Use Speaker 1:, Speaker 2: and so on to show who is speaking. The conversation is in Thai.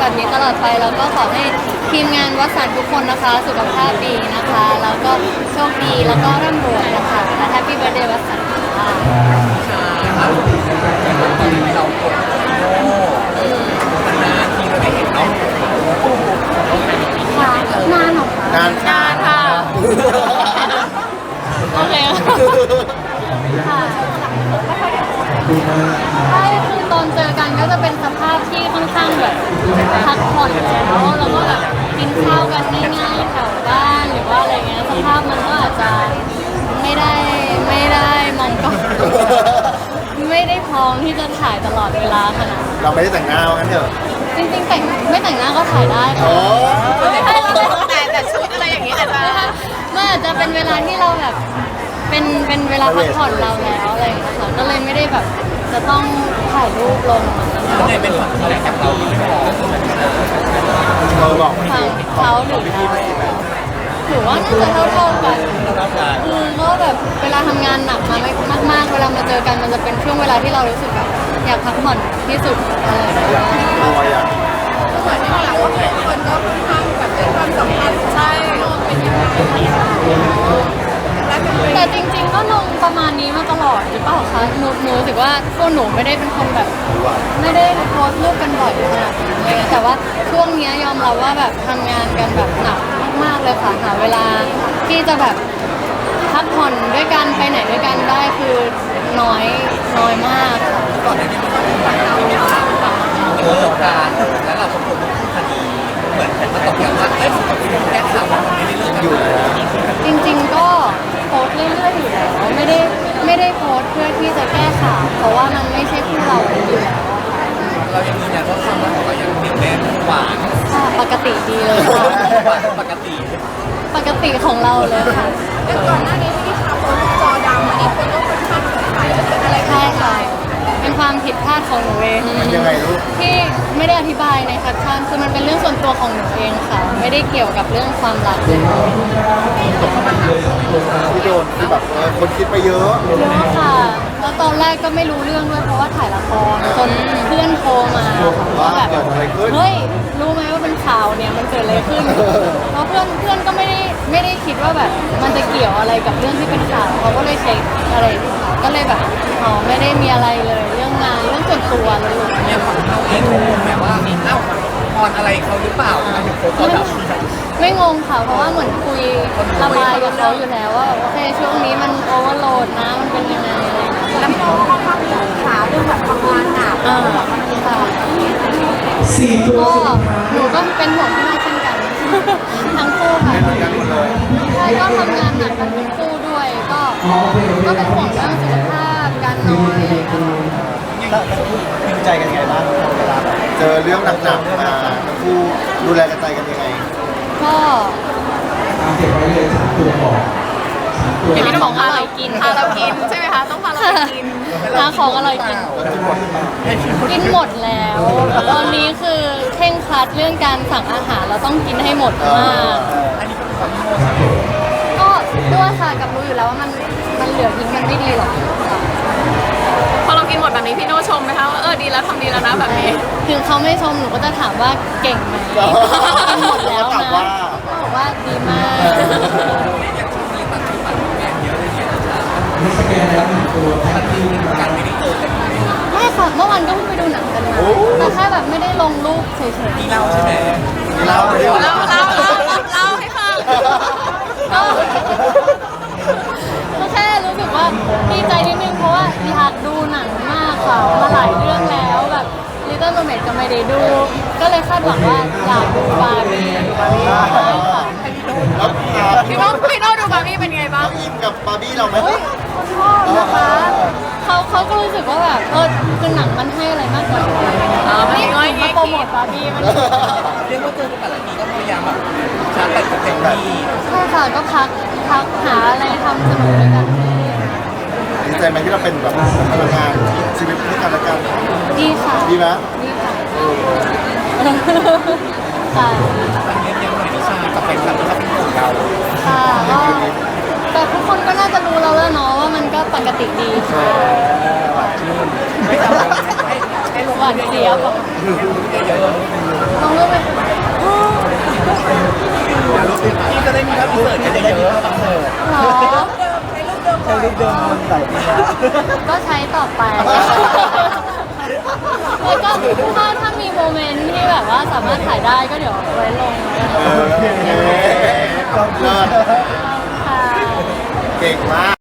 Speaker 1: แบบนี้ตลอดไปแล้วก็ขอให้ทีมงานวัดสันทุกคนนะคะสุขภาพดีนะคะแล้วก็โชคดีแล้วก็ร่ำรวยนะคะและแฮปปี้เบิร์ธเดย์วัดสันค่ะ
Speaker 2: ตอนนี้เรากดนานทีเราได้เห็นเนาะ
Speaker 1: ค่ะนานหรอคะ
Speaker 3: นาน
Speaker 1: นานค่ะโอเคค่ะใช่คือตอนเจอกันก็จะเป็นสภาพที่ค่อนข้างแบบพักผ่อนแล้วก็แบบกินข้าวกันง่ายๆแถวบ้านหรือว่าอะไรเงี้ยสภาพมันก็อาจจะไม่ได้มองกล้องไม่ได้พร้อมที่จะถ่ายตลอดเวลาขนาดนั้น
Speaker 3: เราไม่ได้แต่งหน้าว่างั้นเถอะ
Speaker 1: จริงๆไม่แต่งหน้าก็ถ่ายได้ค่ะ
Speaker 3: โอ้
Speaker 1: แต่ชุดอะไรอย่างนี้อาจจะมันอาจจะเป็นเวลาที่เราแบบเป็นเวลาพักผ่อนเราแล้วอะไรอย่างเงี้ยค่ะก็เลยไม่ได้แบบจะต้องถ่ายรูปลง
Speaker 2: เนี่ยเป็นฝั่งแรกจากเราที่ไม่พอ
Speaker 3: บอก
Speaker 1: ทางเขาหรือเราถือว่าน่าจะเท่ากันก็แบบเวลาทำงานหนักมากๆเวลามาเจอกันมันจะเป็นช่วงเวลาที่เรารู้สึกแบบอยากพักผ่อนที่สุดอะไรอย่างเงี้ย
Speaker 3: รอยอ่ะ
Speaker 1: เหมือนที่เราว่าคนก็ค่อนข้างแบบเป็นความสัมพันธ์ใช่เป็นยังไงแต่จริงๆก็ลงประมาณนี้มาตลอดหรือเปล่าคะหนูรู้สึกว่าพวกหนูไม่ได้เป็นคนแบบไม่ได้โพสต์รูปกันบ่อยขนาดนั้นเลยแต่ว่าช่วงนี้ยอมรับว่าแบบทำงานกันแบบหนักมากๆเลยค่ะหาเวลาที่จะแบบพักผ่อนด้วยกันไปไหนด้วยกันได้คือน้อยมากค่ะ
Speaker 2: ก่อนหน้านี้มันก็เป็นฝั่งเราเกิดการแล้วเราสมควรต้องคดีเหมือนแต่มาตกอย่างว่าเอ้ยผมกับคุณแก้ข่าวมันไม่ได้เรื่องกัน
Speaker 3: อยู่นะ
Speaker 1: จริงๆก็โพสต์เรื่อยๆอยู่แล้วไม่ได้โพสต์เพื่อที่จะแก้ข่าวเพราะว่ามันไม่ใช่คู่เราอยู่แล้ว
Speaker 2: เรายังยืนยันว่าความรักของเรายังเหนียวแน่นหวาน
Speaker 1: ค่ะปกติดีเลยค่ะ
Speaker 2: หวานปกติ
Speaker 1: ปกติของเราเลยค่ะ
Speaker 4: แต่ก่อนหน้านี้ที่ข่าวโพสต์จอดำอันนี้คนก็ค่อนข้างสงสัยว่าเกิดอะไรขึ้น
Speaker 1: ใช่ค่ะเป็นความผิดพลาดของหนูเอง
Speaker 3: มันยังไงลูก
Speaker 1: ที่ไม่ได้อธิบายในแคปชั่นคือมันเป็นเรื่องส่วนตัวของหนูเองค่ะ ไม่ได้เกี่ยวกับเรื่องความรักเลย
Speaker 3: ที่โดนคือแบบคนคิดไปเยอะ
Speaker 1: เยอะค่ะแล้วตอนแรกก็ไม่รู้เรื่องด้วยเพราะว่าถ่ายละครจนเพื่อนโทรมาว่าแบบ
Speaker 3: เกิดอะไรขึ้น
Speaker 1: เฮ้ยรู้ไหมว่าเป็นข่าวเนี่ยมันเกิดอะไรขึ้นแล้วเพื่อนก็ไม่ได้คิดว่าแบบมันจะเกี่ยวอะไรกับเรื่องที่เป็นข่าวเขาก็เลยเช็คอะไรก็เลยแบบอ๋อไม่ได้มีอะไรเลยเรื่องงานเรื่องส่วนตัวเลย
Speaker 2: เนี่ยฝั่งเราเองงงแบบว่าเอ้าพรอะไรเขาหรือเปล่าทำไมถึงโพสต์ตอนแบบ
Speaker 1: ไม่งงค่ะเพราะว่าเหมือนคุยระบายกับเขาอยู่แล้วว่าแบบโอเคช่วงนี้มันโอเวอร์โหลดนะมันเป็นยังไงอะไรอย่างเงี้ย
Speaker 4: แล้วพี่น้องค่อนข้างห่วงข่าวเรื่องแบบทำงานหนัก
Speaker 1: ค่ะก็หนูก็เป็นห่วงพี่น้องเช่นกัน ทั้งคู่ค่ะ
Speaker 3: เหมือนกันหมดเลย
Speaker 1: ใช่ก็ทำงานหนักกันทั้งคู่ด้วยก็เป็นห่วงเรื่องสุขภาพการนอนอะไรอย่างเงี้ย
Speaker 3: ดีใจกันยังไงบ้างเวลาแบบเจอเรื่องหนักๆมาทั้งคู่ดูแลกันใจกันยังไง
Speaker 1: ก็
Speaker 4: เห็นพี่น้องบอกพาเรากินพาเรากินใช่ไหมคะต้องพาเราไปกิน
Speaker 1: หาของอร่อยกินกินหมดแล้ว ตอนนี้คือเคร่งครัดเรื่องการสั่งอาหารเราต้องกินให้หมดมาก
Speaker 2: อันนี้ก็เป็นความโง่ใช่ไหม
Speaker 1: ก็ด้วยค่ะกับรู้อยู่แล้วว่ามันเหลือทิ้งมันไม่ดีหรอกค่ะ
Speaker 4: พอเรากินหมดแบบนี้พี่โน่ชมไหมคะว่าดีแล้วทำดีแล้วนะแบบนี้
Speaker 1: ถึงเขาไม่ชมหนูก็จะถามว่าเก่งไหมกินหมดแล้ว
Speaker 3: ถาม
Speaker 1: นะ
Speaker 3: ว่า
Speaker 1: บอกว่าดีมาก
Speaker 2: อย่างช่วงนี้ตัดที่ตัดแม่เยอะเลยเนี่ยมันมีการไม่ได้เจอกัน
Speaker 1: ไม่ค่ะเมื่อวานก็เพิ่งไปดูหนังกันมาแต่แค่แบบไม่ได้ลงรูปเฉย
Speaker 2: มีเล่าใช่ไหม
Speaker 3: เล่าเลย
Speaker 4: เล่าให้ฟัง
Speaker 1: ๆก็แค่รู้สึกว่าดีใจนิดนึงเพราะว่าอยากดูหนังมากค่ะมาหลายเรื่องแล้วแบบ Little Mermaid ก็ไม่ได้ดู ก็เลยคาดหวังว่าอยากดูบาร์บี้ใช่ค่ะ
Speaker 3: แล้ว
Speaker 4: พี่โน่ดูบาร์บี้เป็นไงบ้าง
Speaker 3: อินกับบาร์บี้เราไหม
Speaker 1: เฮ้ยเขาชอบนะคะเขาก็รู้สึกว่าแบบคือหนังมันให้อะไรมากกว่านี่มาโปรโมทบาร์บี้มัน
Speaker 2: เรียกว่าเจอกันแต่ละทีก็พยายามแบบชาร์จแบตกับเต็มที่
Speaker 1: ใช่ค่ะก็พักหาอะไรทำสนุกด้วยกัน
Speaker 3: ดีใจไหมที่เราเป็นแบบพลังงานชีวิตที่กันและกัน
Speaker 1: ดีค่ะ
Speaker 3: ดีไหม
Speaker 1: ดีค่ะค่ะ
Speaker 2: อันนี้ยังหน่อยนิชากับแฟนคลับที่เขาเป็นห่วงเรา
Speaker 1: ค่ะก็แต่ทุกคนก็น่าจะรู้แล้วแหละเนาะว่ามันก็ปกติดีค่ะ
Speaker 2: ไม่ทำให้ลง
Speaker 1: หวานเสียบ
Speaker 2: เยอะ
Speaker 1: ลงรูปไหม
Speaker 2: ที่จะได้มีภาพพิเศษกันเยอะๆ
Speaker 1: หรอ
Speaker 3: ใช้รูปเดิมมันหลายปีแล้ว
Speaker 1: ก็ใช้ต่อไป แล้วก็ถ้ามีโมเมนต์ที่แบบว่าสามารถถ่ายได้ก็เดี๋ยวไว้ลงแล้วกัน
Speaker 3: ก็เลิศ
Speaker 1: ค่ะ
Speaker 3: เก่งมาก